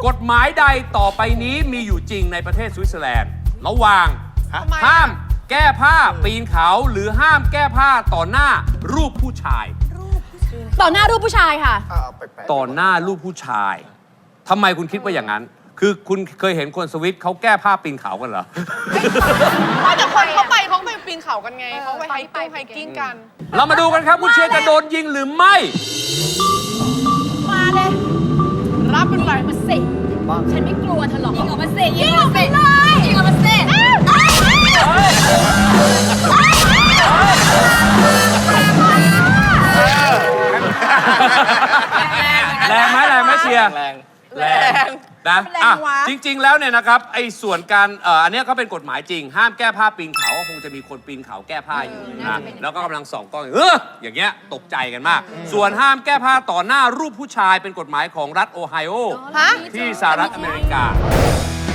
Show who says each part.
Speaker 1: กฎหมายใดต่อไปนี้มีอยู่จริงในประเทศสวิตเซอร์แลนด์ระหว่างห้ามแก้ผ้าปีนเขาหรือห้ามแก้ผ้าต่อหน้ารูปผู้ชาย
Speaker 2: ต่อหน้ารูปผู้ชายค่ะ
Speaker 1: ต่อหน้ารูปผู้ชายทำไมคุณคิดว่าอย่างนั้น คือคุณเคยเห็นคนสวิตเขาแก้ผ้าปีนเขากันเหรอ
Speaker 3: ไม่แต่คนเขาไปปีนเขากันไงเขาไปไฮกิ้งกัน
Speaker 1: เรามาดูกันครับคุณเชียร์จะโดนยิงหรือไม่
Speaker 2: มาเลย
Speaker 3: รับเป็นไร
Speaker 2: มาสิฉันไม่กลัวเธอหรอกยิงออกมาสิยิงออกไปเลยยิงออกมาสิ
Speaker 1: แรงไหมเชียร์
Speaker 4: แรง
Speaker 3: แรง
Speaker 1: นะอ่ะจริง ๆ แล้วเนี่ยนะครับไอ้ส่วนการอันเนี้ยก็เป็นกฎหมายจริง ห้ามแก้ผ้าปีนเขาก็คงจะมีคนปีนเขาแก้ผ้าอยู่นะแล้วก็กำลังส่องกล้องอย่างเงี้ยตกใจกันมาก ส่วนห้ามแก้ผ้าต่อหน้ารูปผู้ชายเป็นกฎหมายของรัฐโอไฮโอ
Speaker 3: ฮะ
Speaker 1: ที่สหรัฐอเมริกา